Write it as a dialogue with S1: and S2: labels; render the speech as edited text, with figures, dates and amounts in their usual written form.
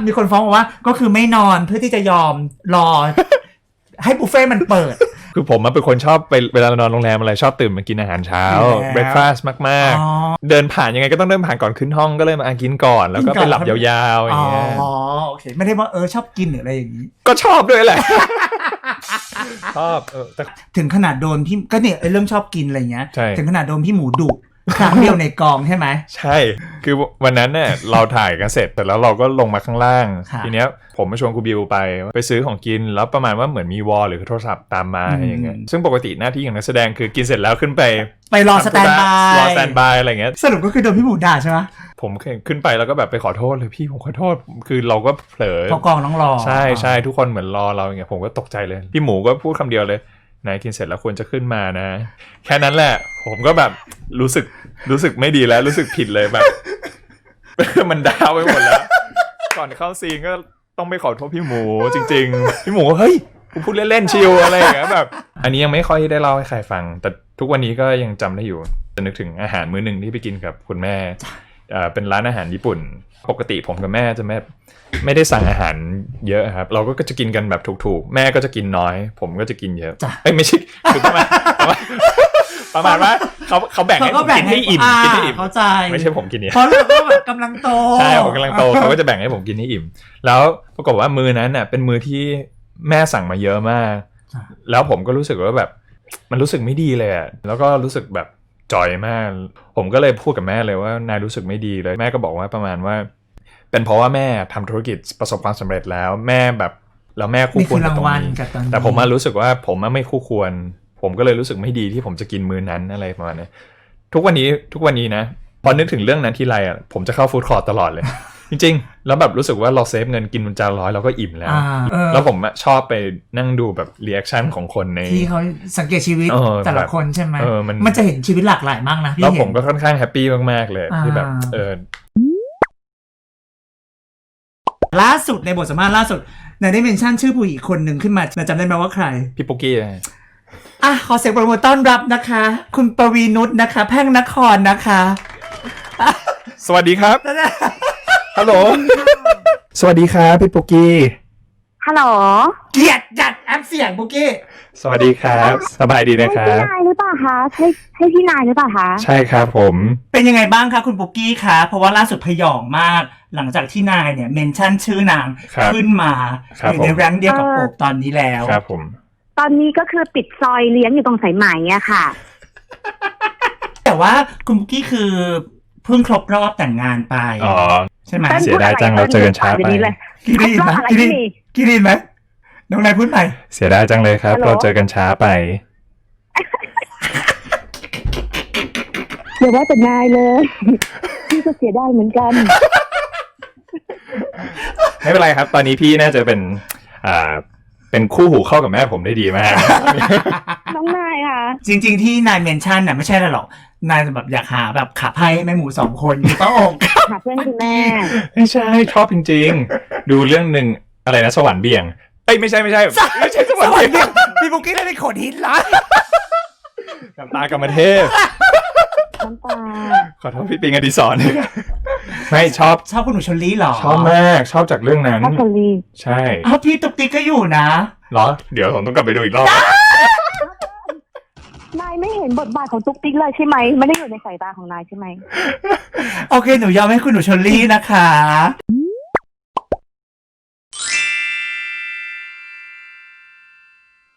S1: มีคนฟ้องว่าก็คือไม่นอนเพื่อที่จะยอมรอ ให้บุฟเฟ่ต์มันเปิด
S2: คือผมเป็นคนชอบไปเวลานอนโรงแรมอะไรชอบตื่นมากินอาหารเช้าเบรคฟาสต์มากๆเดินผ่านยังไงก็ต้องเดินผ่านก่อนขึ้นห้องก็เลยมากินก่อนแล้วก็ไปหลับยาวๆอย่างเงี้ย
S1: อ๋อโอเคไม่ได้ว่าชอบกินหรืออะไรอย่างนี้
S2: ก็ชอบด้วยแหละ ชอบแต่
S1: ถึงขนาดโดนพี่ก็เนี่ยเรื่องชอบกินอะไรเงี้ยถึงขนาดโดนพี่หมูดุครั้งเดียวในกองใช่ไหม
S2: ใช่คือวันนั้นเนี่ยเราถ่ายกันเสร็จแต่แล้วเราก็ลงมาข้างล่างทีเนี้ยผมมาชวนครูบิวไปซื้อของกินแล้วประมาณว่าเหมือนมีวอลหรือโทรศัพท์ตามมาอย่างเงี้ยซึ่งปกติหน้าที่ของนักแสดงคือกินเสร็จแล้วขึ้นไป
S1: รอสแตนบาย
S2: อะไรเงี้ย
S1: สรุปก็คือโดนพี่หมูด่าใช่ไหม
S2: ผมขึ้นไปแล้วก็แบบไปขอโทษเลยพี่ผมขอโทษคือเราก็เผลอ
S1: เพราะกองต้องรอ
S2: ใช่ทุกคนเหมือนรอเราอย่างเงี้ยผมก็ตกใจเลยพี่หมูก็พูดคำเดียวเลยนายกินเสร็จแล้วควรจะขึ้นมานะแค่นั้นแหละผมก็แบบรู้สึกไม่ดีแล้วรู้สึกผิดเลยแบบ มันดาวไปหมดแล้วก่อนเข้าซีนก็ต้องไปขอโทษพี่หมูจริงๆพี่หมูเฮ้ยกูพูดเล่นๆชิลอะไรอย่างเงี้ยแบบอันนี้ยังไม่ค่อยได้เล่าให้ใครฟังแต่ทุกวันนี้ก็ยังจำได้อยู่จะนึกถึงอาหารมื้อนึงที่ไปกินกับคุณแม่เป็นร้านอาหารญี่ปุ่นปกติผมกับแม่จะไม่ได้สั่งอาหารเยอะครับเราก็จะกินกันแบบถูกๆแม่ก็จะกินน้อยผมก็จะกินเยอะไม่ใช่คือประมาณว่าเขาแบ่งให้ผมกินให้อิ่ม
S1: เข้าใจ
S2: ไม่ใช่ผมกินเนี่ย
S1: เพราะเราก็แบบกำลังโต
S2: ใช่ผมกำลังโตเขาก็จะแบ่งให้ผมกินให้อิ่มแล้วปรากฏว่ามื้อนั้นน่ะเป็นมื้อที่แม่สั่งมาเยอะมากแล้วผมก็รู้สึกว่าแบบมันรู้สึกไม่ดีเลยอ่ะแล้วก็รู้สึกแบบจอยมากผมก็เลยพูดกับแม่เลยว่านายรู้สึกไม่ดีเลยแม่ก็บอกว่าประมาณว่าเป็นเพราะว่าแม่ทำธุรกิจประสบความสำเร็จแล้วแม่แบบแล้วแม่คู่ควรกับตรงนี้แต่ผมมารู้สึกว่าผมไม่คู่ควรผมก็เลยรู้สึกไม่ดีที่ผมจะกินมื้อนั้นอะไรประมาณนี้ทุกวันนี้นะพอนึกถึงเรื่องนั้นทีไรอ่ะผมจะเข้าฟู้ดคอร์ทตลอดเลย จริงๆแล้วแบบรู้สึกว่าเราเซฟเงินกินจาน100เราก็อิ่มแล้วแล้วผมชอบไปนั่งดูแบบรีแอคชั่นของคนใน
S1: ที่เขาสังเกตชีวิตแต่ละคนใช่ไหมมันจะเห็นชีวิตหลากหลายมากนะ
S2: แล้วผมก็ค่อนข้างแฮปปี้มากๆเลยที่แบบ
S1: ล่าสุดในบทสัมภาษณ์ล่าสุดนายได้เมนชั่นชื่อผู้หญิงคนหนึ่งขึ้นมาจำได้ไหมว่าใคร
S2: พี่ปุ๊กกี้
S1: ขอเสียงปรบมือต้อนรับนะคะคุณปวีนุชนะคะแพ่งนครนะคะ
S2: สวัสดีครับฮัลโหลสวัสดีครับพี่ปุ๊กกี้
S3: ฮัลโหล
S1: เกียรติจัดแอปเสียงปุ๊กกี้
S2: สวัสดีครับสบายดีนะครับ
S3: พี่นายหรือเปล่าคะใช่พี่นายหรือเปล่าคะ
S2: ใช่ครับผม
S1: เป็นยังไงบ้างคะคุณปุ๊กกี้คะเพราะว่าล่าสุดพยองมากหลังจากที่นายเนี่ยเมนชั่นชื่อนางขึ้นมาอยู่ในแรงเดียวกับโอบตอนนี้แล้ว
S2: ครับผม
S3: ตอนนี้ก็คือปิดซอยเลี้ยงอยู่ตรงสายไหมอะค่ะ
S1: แต่ว่าคุณปุ๊กกี้คือเพิ่งครบรอบแต่งงานไปใช่ไหม
S2: เสียดายจังเราเจอกันช้าไป
S1: กี่ดีไหมกี่ดีไหมน้องนายพูดใหม่
S2: เสียดายจังเลยครับเราเจอกันช้าไป
S3: อย่าว่าแต่นายเลยพี่ก็เสียดายเหมือนกัน
S2: ไม่เป็นไรครับตอนนี้พี่น่าจะเป็นคู่หูเข้ากับแม่ผมได้ดีมาก
S3: น้องนายค่ะ
S1: จริงๆที่นายเมนชั่นน่ะไม่ใช่หรอกนายแบบอยากหาแบบขาไพ่แม่หมู2คนอยู่ต้องอก
S3: หาเพื่อนคุณแม่
S2: ไม่ใช่ชอบจริงๆดูเรื่องนึงอะไรนะสวรรค์เบี่ยงไม่ใช่สวรรค์เบี่ยง
S1: พี่ปุ๊กกี้ได้เป็นคนฮิตละ
S2: น้ำตากรรมเทพ
S3: น้ำตา
S2: ขอโทษพี่ปิงอดิศรไม่ชอบ
S1: คุณหนูชลลี่หรอ
S2: ชอบมากชอบจากเรื่องนั้น
S3: ชลลี่
S2: ใช่
S1: พี่ตุ๊กติ๊กก็อยู่นะ
S2: เหรอเดี๋ยวผมต้องกลับไปดูอีกรอบ
S3: นายไม่เห็นบทบาทของตุ๊กติ๊กเลยใช่ไหมไม่ได้อยู่ในสายตาของนายใช่ไหม
S1: โอเคหนูยอมให้คุณหนูชลลี่นะคะ